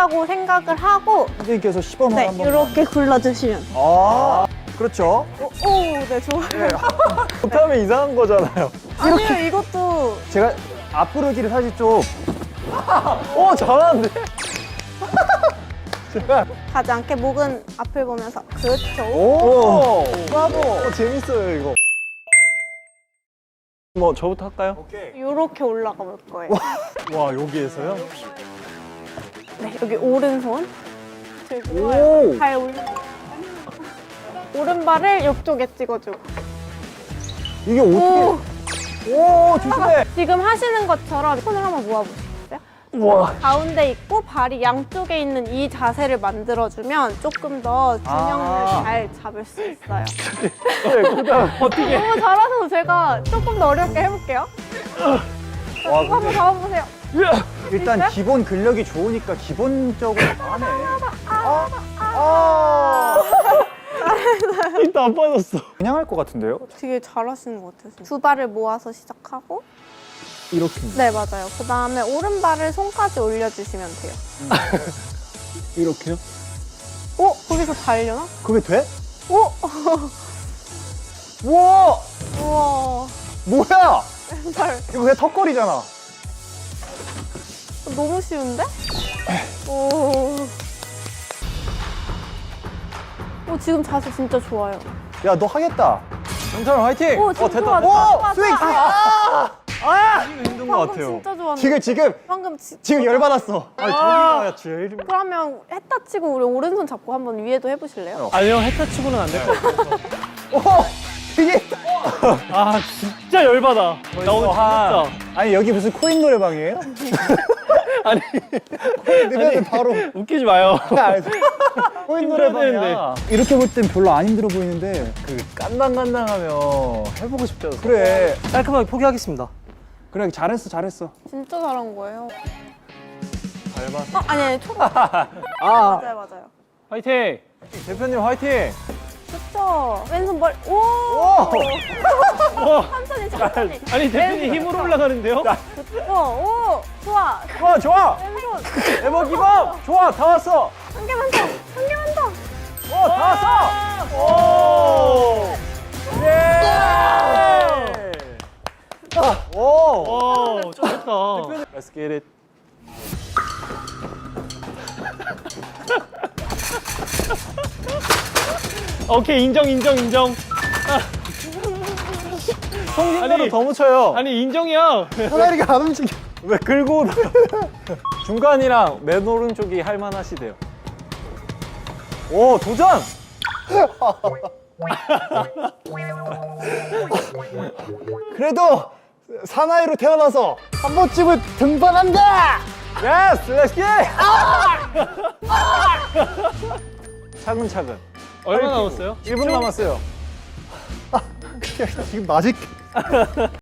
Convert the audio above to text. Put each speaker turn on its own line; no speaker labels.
된다고 생각을 하고
선생님께서 시범을
네,
한번.
이렇게 굴러주시면 돼요.
아, 그렇죠.
오, 네, 좋아요.
못하면 이상한 거잖아요.
아니요, 이것도
제가 앞구르기를 사실 좀. 오, 잘하는데? 제가.
가지 않게 목은 앞을 보면서 그렇죠.
오, 브라보. 재밌어요, 이거. 뭐, 저부터 할까요? 오케이.
이렇게 올라가 볼 거예요.
와, 여기에서요?
네, 여기 오른손 들고
오.
발 올려. 오른발을 옆쪽에 찍어주고.
이게 어떻게. 오, 조심해.
지금 하시는 것처럼 손을 한번 모아보시겠어요?
우와.
가운데 있고 발이 양쪽에 있는 이 자세를 만들어주면 조금 더 균형을
아.
잘 잡을 수 있어요.
네, 그다음 어떻게.
너무 잘하셔서 제가 조금 더 어렵게 해볼게요.
와,
이거 한번 잡아보세요.
일단
있어요?
기본 근력이 좋으니까 기본적으로 하네. 아. 일단 안 빠졌어. 그냥 할 것 같은데요?
되게 잘하시는 것 같아요. 두 발을 모아서 시작하고
이렇게.
네, 맞아요. 그 다음에 오른발을 손까지 올려주시면 돼요.
이렇게요?
오! 거기서 달려나?
그게 돼?
오!
우와!
우와.
뭐야?
왼발.
이거 그냥 턱걸이잖아.
너무 쉬운데? 오. 오, 지금 자세 진짜 좋아요.
야, 너 하겠다. 영찬아, 화이팅!
오, 지금
됐다.
좋아,
오!
좋아,
스윙!
좋아.
힘든
방금 진짜 좋았는데.
지금
방금
지금 열받았어. 아니, 저기가 제일.
그러면 했다 치고 우리 오른손 잡고 한번 위에도 해보실래요?
아니요, 헤타 치고는 안 될 것 같아요.
오! 되게.
아, 진짜 열받아. 나 오늘 진짜.
아니, 여기 무슨 코인 노래방이에요?
아니,
코인 넣으면 바로.
웃기지 마요.
코인
힘들어야
노래방이야. 이렇게 볼 땐 별로 안 힘들어 보이는데.
그 깐당깐당하면 해보고 싶잖아.
그래.
깔끔하게 포기하겠습니다.
그래, 잘했어, 잘했어.
진짜 잘한 거예요.
밟았어.
아니, 총.
아,
맞아요, 맞아요.
화이팅!
대표님 화이팅!
좋죠. 왼손 머리. 오!
오!
천천히, 천천히.
아니, 대표님 힘으로 올라가는데요?
오! 좋아.
좋아, 좋아!
왼손.
에버 기범! 좋아, 다 왔어!
한 개만 더. 한 개만 더.
오, 다 왔어! 오! 예! 오!
오, 잘했다.
Let's get it.
오케이, 인정.
송진대로
아니,
더 묻혀요.
아니, 인정이야.
사다리가 안 움직여. 왜 긁고 중간이랑 맨 오른쪽이 할만하시대요. 오, 도전! 그래도 사나이로 태어나서 한 번쯤은 등반한다! 예스! 렛츠 기! 차근차근.
얼마 남았어요?
1분 남았어요. 지금 맞을